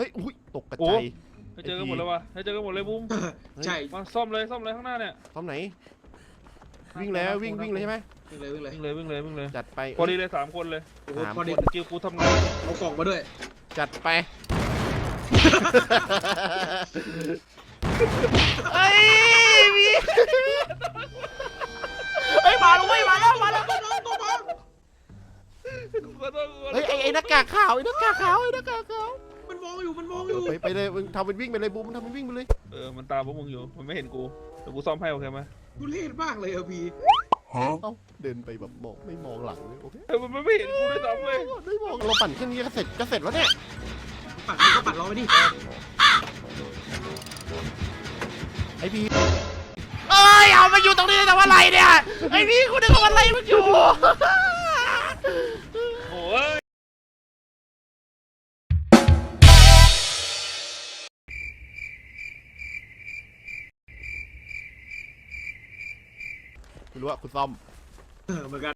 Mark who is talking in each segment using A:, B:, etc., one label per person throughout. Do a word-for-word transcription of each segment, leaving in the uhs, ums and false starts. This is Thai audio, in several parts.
A: ฮ้ยอุ้ยตกกระจาย
B: ให้เจอกันหมดเลยวะให้เจอกันหมดเลยบุ้ม
C: ใช่
B: มาซ่อมเลยซ่อมเลยข้างหน้าเนี่ย
A: ซ่อมไหนวิ่งแล้ววิ่งวิ่งเลยใช่ไหม
C: วิ่งเลยวิ่งเลย
B: วิ่งเลยวิ่งเลยวิ่งเลย
A: จัดไป
B: พอดีเลยสามคนเลย
C: โอ้โหพอดี
B: สกิลกูทำงาน
C: เอากล่องมาด้วย
A: จัดไปเฮ้ยมีเฮ้ยมาแล้วเว้ยมาแล้วมาแล้วเฮ้ยไอไอหน้ากากขาวไอหน้ากากขาวไอหน้ากากขาว
C: มันมองอยู่มันมองอยู่
A: ไปไปเลยมึงทำเป็นวิ่งไปเลยบูมทำเป็นวิ่งไปเลย
B: เออมันตามพวกมึงอยู่มันไม่เห็นกูแต่กูซ่อมให้โอเคไหม
C: กูเล่นมากเลยเอพี
A: เอ้าเดินไปแบบมองไม่มองหลังเลยโอเค
B: เออมันไม่เห็นกูด้วยซ้ำเลย
A: ไม่มองเราปั่นแค่นี้ก็เสร็จก็เสร็จแล้วเนี่ย
C: ปั่นก็ปั่นรอไปดิ
A: ไอพีเอ้ยเอามาอยู่ตรงนี้แต่ว่าอะไรเนี่ยไอพี่คุณนึกว่าอะไรมันอยู่
B: โอ้ย
A: ไม่รู้ว่าคุณซ่อม
C: เออเหมือนกัน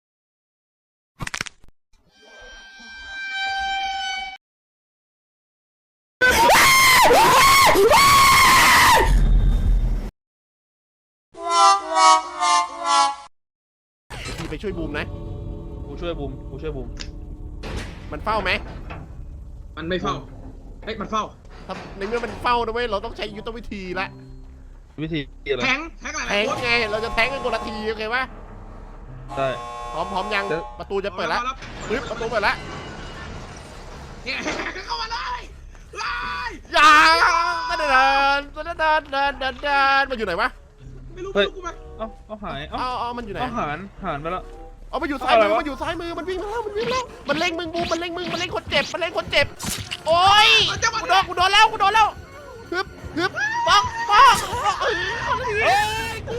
A: พี่ไปช่วยบูมนะ
B: กูช่วยบูมกูช่วยบูม
A: มันเฝ้าไหม
C: มันไม่เฝ้าเฮ้ยมันเฝ้า
A: ถ้าในเมื่อมันเฝ้านะเว้ยเราต้องใช้ยุทธวิธีละ
B: วิธีอะไร
C: แทงแทงอะไร
A: แทงไงเราจะแทงกันคนละทีโอเคปะ
B: ใช่
A: พร้อมพร้อมยังประตูจะเปิดแล้วปึ๊บประตูเปิดแล้ว
C: เนี่ยเข้ามาเลย
A: อย่าเดินเดินเดินเดินเดินเดินมันอยู่ไหนวะ
C: ไม่รู้ไม่รู้กูไหม
B: เอ้าเอาหายเอ้า
A: เอามันอยู่ไหน
B: เอาหารหารไปแล้ว
A: เอามันอยู่ซ้ายมือมันอยู่ซ้ายมือมันวิ่งมาแล้วมันวิ่งแล้วมันเล็งมึงบูมมันเล็งมึงมันเล็งคนเจ็บมันเล็งคนเจ็บโอ้ยกูโดนกูโดนแล้วกูโดนแล้วฮึบฮึบปังปังเฮ้ยกู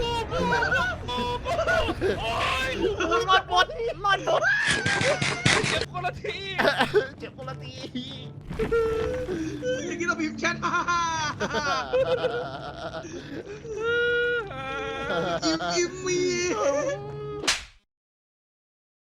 A: รอดหมดรอดหมด
B: เจ็บคนละที
A: เจ็บคนละที
C: อย่างนี้เราพิมพ์แชทอิ่มอิ่มมี